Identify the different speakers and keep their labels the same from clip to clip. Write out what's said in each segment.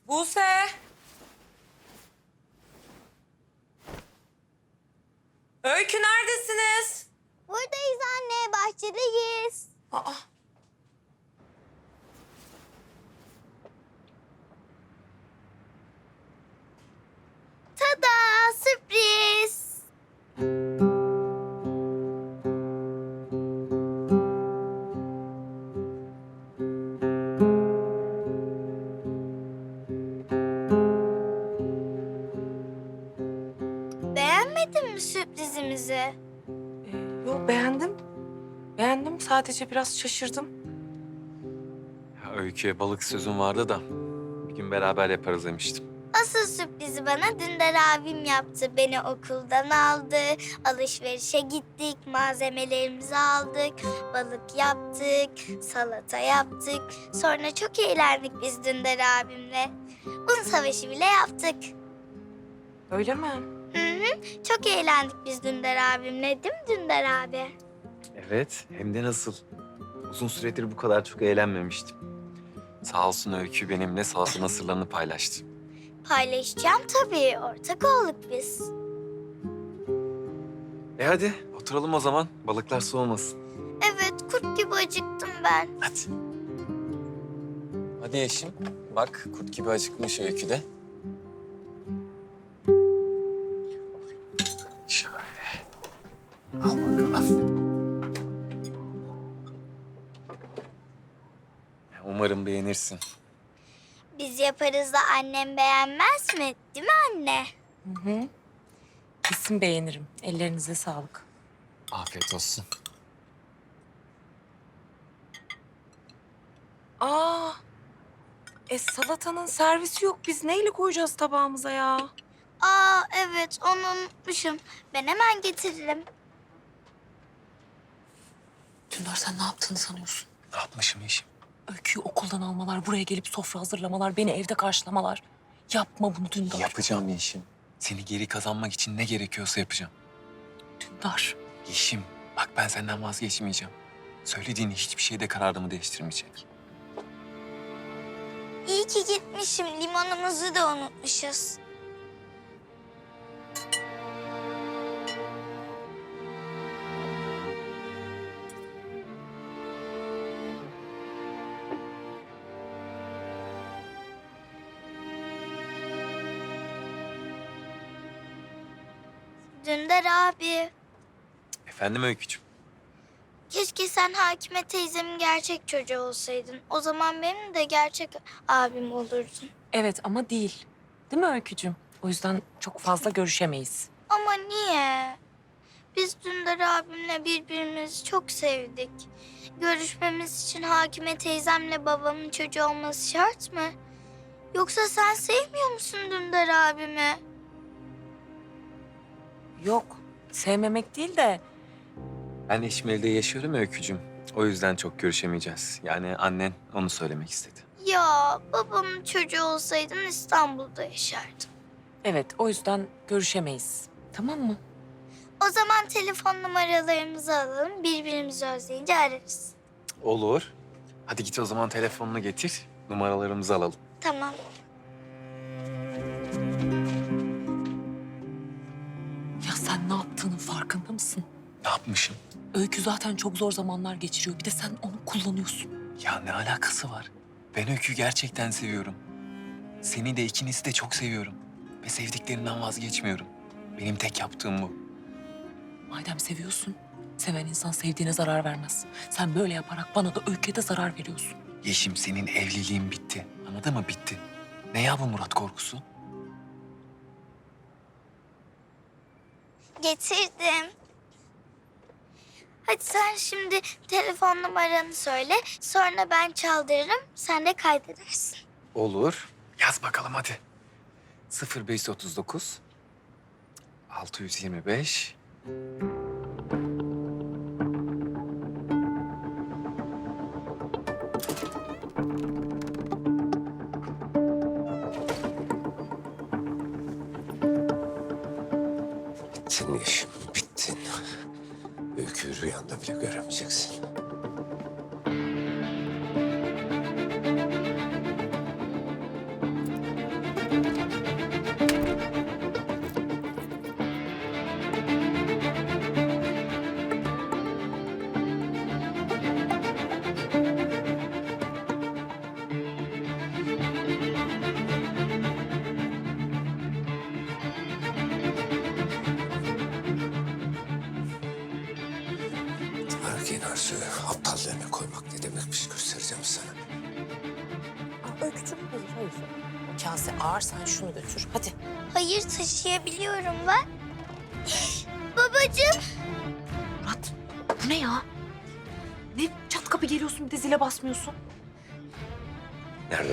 Speaker 1: Buse! Öykü neredesiniz?
Speaker 2: Buradayız anne, bahçedeyiz.
Speaker 1: Aa.
Speaker 2: Tada, sürpriz. Beğenmedin mi sürprizimizi?
Speaker 1: Yok beğendim. Beğendim sadece biraz şaşırdım.
Speaker 3: Ya Öykü'ye balık sözüm vardı da bir gün beraber yaparız demiştim.
Speaker 2: Asıl sürprizi bana Dündar abim yaptı. Beni okuldan aldı, alışverişe gittik, malzemelerimizi aldık, balık yaptık, salata yaptık. Sonra çok eğlendik biz Dündar abimle. Un savaşı bile yaptık.
Speaker 1: Öyle mi?
Speaker 2: Hı hı, çok eğlendik biz Dündar abimle, değil mi Dündar abi?
Speaker 3: Evet, hem de nasıl? Uzun süredir bu kadar çok eğlenmemiştim. Sağ olsun Öykü benimle salatanın sırlarını paylaştı.
Speaker 2: Paylaşacağım tabii, ortak olduk biz.
Speaker 3: Hadi oturalım o zaman. Balıklar soğumasın.
Speaker 2: Evet, kurt gibi acıktım ben.
Speaker 3: Hadi. Hadi Yeşim. Bak kurt gibi acıkmış Öykü de. Şöyle. Al bakalım. Umarım beğenirsin.
Speaker 2: Biz yaparız da annem beğenmez mi? Değil mi anne?
Speaker 1: Hı hı. Kesin beğenirim. Ellerinize sağlık.
Speaker 3: Afiyet olsun.
Speaker 1: Aa! Salatanın servisi yok. Biz neyle koyacağız tabağımıza ya?
Speaker 2: Aa evet onu unutmuşum. Ben hemen getiririm.
Speaker 4: Dündar sen ne yaptığını sanıyorsun?
Speaker 3: Ne yapmışım Yeşim?
Speaker 4: Öyküyü okuldan almalar, buraya gelip sofra hazırlamalar, beni evde karşılamalar. Yapma bunu Dündar.
Speaker 3: Yapacağım Yeşim. Seni geri kazanmak için ne gerekiyorsa yapacağım.
Speaker 4: Dündar.
Speaker 3: Yeşim, bak ben senden vazgeçmeyeceğim. Söylediğin hiçbir şeyde kararımı değiştirmeyecek.
Speaker 2: İyi ki gitmişim. Limonumuzu da unutmuşuz. Dündar abi.
Speaker 3: Efendim Öykücüğüm?
Speaker 2: Keşke sen Hakime teyzemin gerçek çocuğu olsaydın. O zaman benim de gerçek abim olurdun.
Speaker 4: Evet ama değil. Değil mi Öykücüğüm? O yüzden çok fazla görüşemeyiz.
Speaker 2: Ama niye? Biz Dündar abimle birbirimizi çok sevdik. Görüşmemiz için Hakime teyzemle babamın çocuğu olması şart mı? Yoksa sen sevmiyor musun Dündar abimi?
Speaker 4: Yok, sevmemek değil de
Speaker 3: Ben Eşmeli'de yaşıyorum ya Öykücüğüm. O yüzden çok görüşemeyeceğiz. Yani annen onu söylemek istedi.
Speaker 2: Ya babamın çocuğu olsaydın İstanbul'da yaşardın.
Speaker 4: evet o yüzden görüşemeyiz. Tamam mı?
Speaker 2: O zaman telefon numaralarımızı alalım. Birbirimizi özleyince ararız.
Speaker 3: Olur. Hadi git o zaman telefonunu getir. Numaralarımızı alalım.
Speaker 2: Tamam.
Speaker 4: Ya sen ne yaptığının farkında mısın?
Speaker 3: Ne yapmışım?
Speaker 4: Öykü zaten çok zor zamanlar geçiriyor. Bir de sen onu kullanıyorsun.
Speaker 3: Ya ne alakası var? Ben Öykü'yü gerçekten seviyorum. Seni de ikinizi de çok seviyorum. Ve sevdiklerinden vazgeçmiyorum. Benim tek yaptığım bu.
Speaker 4: Madem seviyorsun, seven insan sevdiğine zarar vermez. Sen böyle yaparak bana da Öykü'ye de zarar veriyorsun.
Speaker 3: Yeşim senin evliliğin bitti. Anladın mı? Bitti. Ne ya bu Murat korkusu?
Speaker 2: Getirdim. Hadi sen şimdi telefon numaranı söyle. Sonra ben çaldırırım. Sen de kaydedersin.
Speaker 3: Olur. Yaz bakalım hadi. 0539 625
Speaker 5: Bittin Yeşim, bittin. Öyküyü rüyanda bile göremeyeceksin. Bak yine Arzu, aptallığına koymak ne demekmiş göstereceğim sana.
Speaker 4: Öykücüm hayır. O kase ağır, sen şunu götür. Hadi.
Speaker 2: Hayır, taşıyabiliyorum ben. Babacığım.
Speaker 1: Murat, bu ne ya? Ne çat kapı geliyorsun bir de zile basmıyorsun?
Speaker 5: Nerede?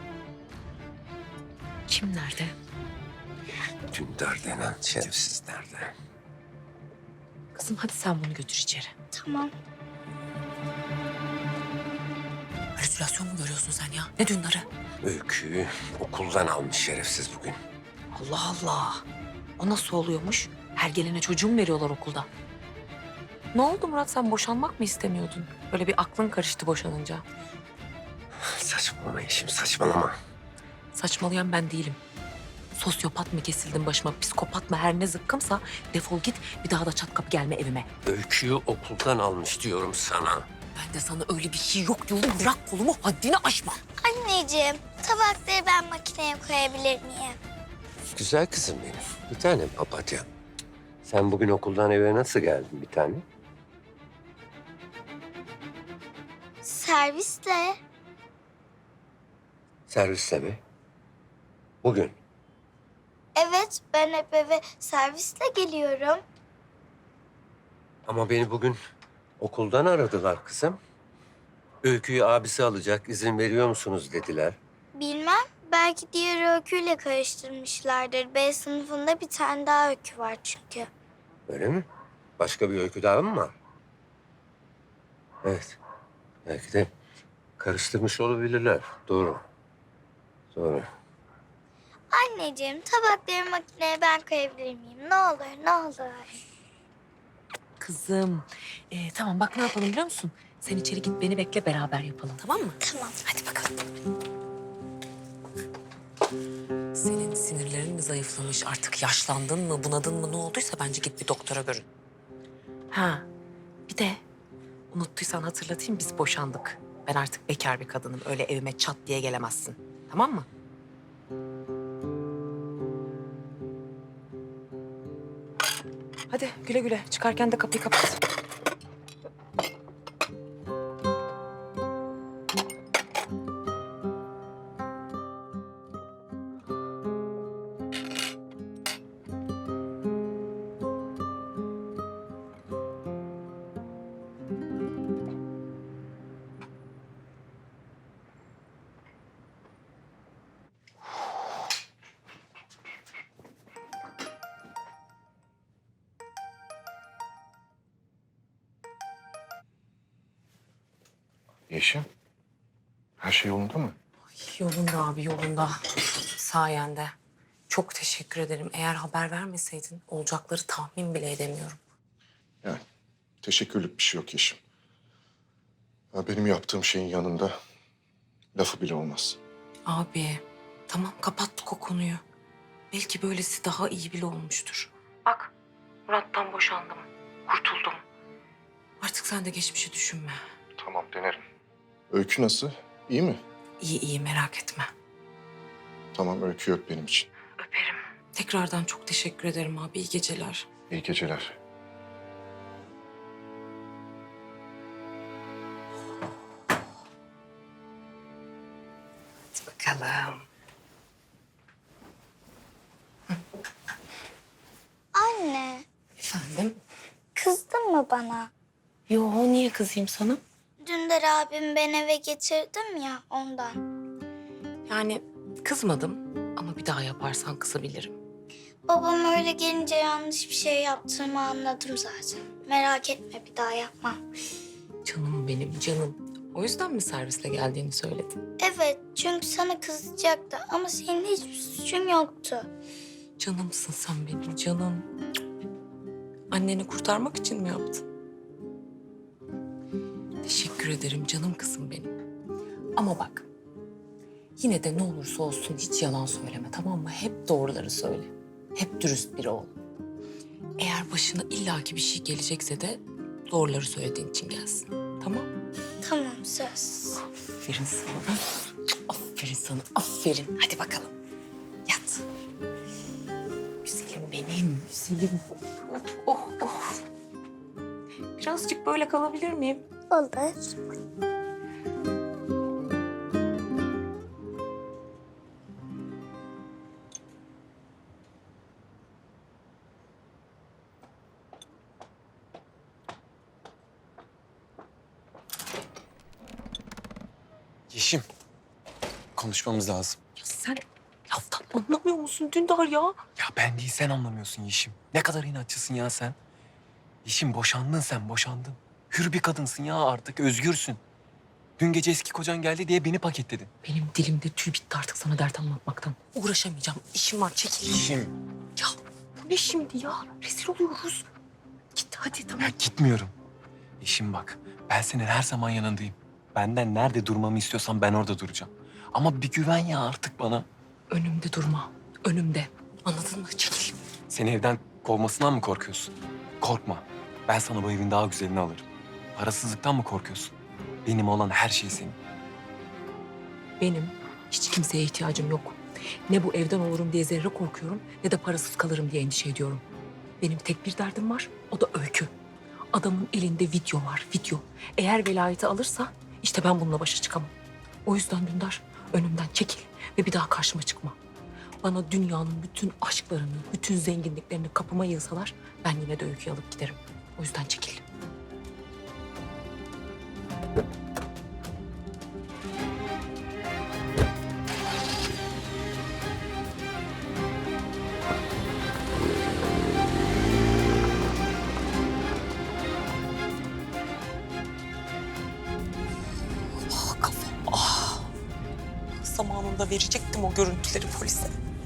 Speaker 1: Kim nerede?
Speaker 5: Dündar denen şerefsiz nerede?
Speaker 1: Kızım hadi sen bunu götür içeri.
Speaker 2: Tamam.
Speaker 4: Halüsinasyon mu görüyorsun sen ya? Ne Dündar'ı?
Speaker 5: Öyküyü okuldan almış şerefsiz bugün.
Speaker 1: Allah Allah. O nasıl oluyormuş? Her gelene çocuğu mu veriyorlar okulda? Ne oldu Murat, sen boşanmak mı istemiyordun? Böyle bir aklın karıştı boşanınca.
Speaker 5: Saçmalama Yeşim, saçmalama.
Speaker 1: Saçmalayan ben değilim. Sosyopat mı kesildin başıma, psikopat mı, her ne zıkkımsa defol git, bir daha da çat kapı gelme evime.
Speaker 5: Öyküyü okuldan almış diyorum sana.
Speaker 1: Ben de sana öyle bir şey yok diyorum, bırak kolumu, haddini aşma.
Speaker 2: Anneciğim, tabakları ben makineye koyabilir miyim?
Speaker 5: Güzel kızım benim. Bir tanem papatya. Sen bugün okuldan eve nasıl geldin bir tane?
Speaker 2: Servisle.
Speaker 5: Servisle mi? Bugün.
Speaker 2: Evet, ben hep eve servisle geliyorum.
Speaker 5: Ama beni bugün okuldan aradılar kızım. Öyküyü abisi alacak, izin veriyor musunuz dediler.
Speaker 2: Bilmem, belki diğer öyküyle karıştırmışlardır. B sınıfında bir tane daha öykü var çünkü.
Speaker 5: Öyle mi? Başka bir öykü daha mı var? Evet. Belki de karıştırmış olabilirler. Doğru. Doğru.
Speaker 2: Anneciğim, tabakları makineye ben koyabilir miyim? Ne olur, ne olur.
Speaker 1: Kızım, tamam bak ne yapalım biliyor musun? Sen içeri git, beni bekle, beraber yapalım, tamam mı?
Speaker 2: Tamam.
Speaker 1: Hadi bakalım.
Speaker 4: Senin sinirlerin mi zayıflamış? Artık yaşlandın mı, bunadın mı, ne olduysa bence git bir doktora görün.
Speaker 1: Ha, bir de unuttuysan hatırlatayım, biz boşandık. Ben artık bekar bir kadınım, öyle evime çat diye gelemezsin, tamam mı? Hadi güle güle, çıkarken de kapıyı kapat.
Speaker 6: Yeşim, her şey yolunda mı?
Speaker 4: Yolunda abi, yolunda. Sayende. Çok teşekkür ederim. Eğer haber vermeseydin olacakları tahmin bile edemiyorum.
Speaker 6: Yani teşekkürlük bir şey yok Yeşim. Ya benim yaptığım şeyin yanında lafı bile olmaz.
Speaker 4: Abi, tamam kapattık o konuyu. Belki böylesi daha iyi bile olmuştur. Bak, Murat'tan boşandım. Kurtuldum. Artık sen de geçmişi düşünme.
Speaker 6: Tamam, denerim. Öykü nasıl? İyi mi?
Speaker 4: İyi iyi, merak etme.
Speaker 6: Tamam, Öykü öp benim için.
Speaker 4: Öperim. Tekrardan çok teşekkür ederim abi. İyi geceler.
Speaker 6: İyi geceler.
Speaker 4: Hadi bakalım.
Speaker 2: Anne,
Speaker 4: Efendim?
Speaker 2: kızdın mı bana?
Speaker 4: Yo, niye kızayım sana?
Speaker 2: Dündar abim ben eve getirdim ya ondan.
Speaker 4: Yani kızmadım ama bir daha yaparsan kızabilirim.
Speaker 2: Babam öyle gelince yanlış bir şey yaptığımı anladım zaten. Merak etme, bir daha yapmam.
Speaker 4: Canım benim, canım. O yüzden mi servisle geldiğini söyledin?
Speaker 2: Evet, çünkü sana kızacaktı ama senin hiçbir suçun yoktu.
Speaker 4: Canımsın sen benim, canım. Anneni kurtarmak için mi yaptın? Teşekkür ederim canım kızım benim. Ama bak, yine de ne olursa olsun hiç yalan söyleme, tamam mı? Hep doğruları söyle. Hep dürüst biri ol. Eğer başına illaki bir şey gelecekse de doğruları söylediğin için gelsin. Tamam?
Speaker 2: Tamam, söz.
Speaker 4: Aferin sana. Aferin sana, aferin. Hadi bakalım. Yat. Güzelim benim, güzelim. Oh, oh.
Speaker 1: Birazcık böyle kalabilir miyim?
Speaker 2: Olur.
Speaker 3: Yeşim, konuşmamız lazım.
Speaker 1: Ya sen laftan anlamıyor musun Dündar ya?
Speaker 3: Ya ben değil, sen anlamıyorsun Yeşim. Ne kadar inatçısın ya sen. Yeşim, boşandın sen, boşandın. Hür bir kadınsın ya artık, özgürsün. Dün gece eski kocan geldi diye beni paketledin.
Speaker 1: Benim dilimde tüy bitti artık sana dert anlatmaktan. Uğraşamayacağım. İşim var, çekil.
Speaker 3: Yeşim.
Speaker 1: Ya bu ne şimdi ya? Rezil oluyoruz. Git hadi tamam.
Speaker 3: Ya gitmiyorum. Yeşim bak, ben senin her zaman yanındayım. Benden nerede durmamı istiyorsan ben orada duracağım. Ama bir güven ya artık bana.
Speaker 1: Önümde durma. Önümde. Anladın mı? Çekil.
Speaker 3: Seni evden kovmasından mı korkuyorsun? Korkma. Ben sana bu evin daha güzelini alırım. Parasızlıktan mı korkuyorsun? Benim olan her şey senin.
Speaker 1: Benim hiç kimseye ihtiyacım yok. Ne bu evden olurum diye zerre korkuyorum ne de parasız kalırım diye endişe ediyorum. Benim tek bir derdim var, o da Öykü. Adamın elinde video var, video. Eğer velayeti alırsa işte ben bununla başa çıkamam. O yüzden Dündar önümden çekil ve bir daha karşıma çıkma. Bana dünyanın bütün aşklarını, bütün zenginliklerini kapıma yığsalar ben yine de Öykü'yü alıp giderim. O yüzden çekil. Ah kafam, ah. Zamanında verecektim o görüntüleri polise.